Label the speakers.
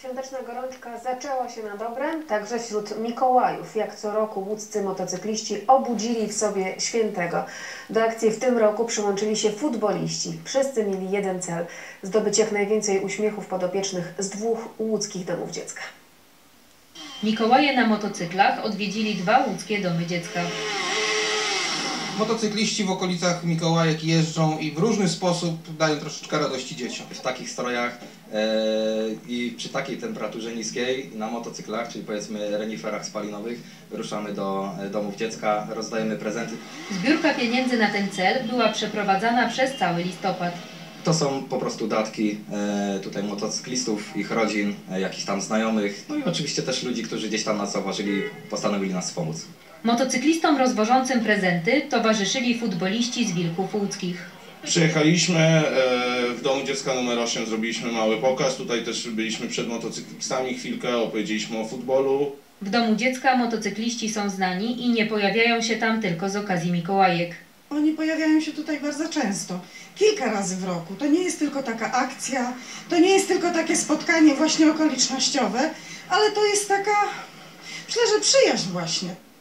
Speaker 1: Świąteczna gorączka zaczęła się na dobre, także wśród Mikołajów. Jak co roku łódzcy motocykliści obudzili w sobie świętego. Do akcji w tym roku przyłączyli się futboliści. Wszyscy mieli jeden cel – zdobyć jak najwięcej uśmiechów podopiecznych z 2 łódzkich domów dziecka.
Speaker 2: Mikołaje na motocyklach odwiedzili 2 łódzkie domy dziecka.
Speaker 3: Motocykliści w okolicach Mikołajek jeżdżą i w różny sposób dają troszeczkę radości dzieciom.
Speaker 4: W takich strojach i przy takiej temperaturze niskiej na motocyklach, czyli powiedzmy reniferach spalinowych, wyruszamy do domów dziecka, rozdajemy prezenty.
Speaker 2: Zbiórka pieniędzy na ten cel była przeprowadzana przez cały listopad.
Speaker 4: To są po prostu datki tutaj motocyklistów, ich rodzin, jakichś tam znajomych, no i oczywiście też ludzi, którzy gdzieś tam nas zauważyli, postanowili nas wspomóc.
Speaker 2: Motocyklistom rozwożącym prezenty towarzyszyli futboliści z Wilków Łódzkich.
Speaker 5: Przyjechaliśmy w domu dziecka numer 8, zrobiliśmy mały pokaz, tutaj też byliśmy przed motocyklistami chwilkę, opowiedzieliśmy o futbolu.
Speaker 2: W domu dziecka motocykliści są znani i nie pojawiają się tam tylko z okazji Mikołajek.
Speaker 6: Oni pojawiają się tutaj bardzo często, kilka razy w roku. To nie jest tylko taka akcja, to nie jest tylko takie spotkanie właśnie okolicznościowe, ale to jest taka, myślę, że przyjaźń właśnie.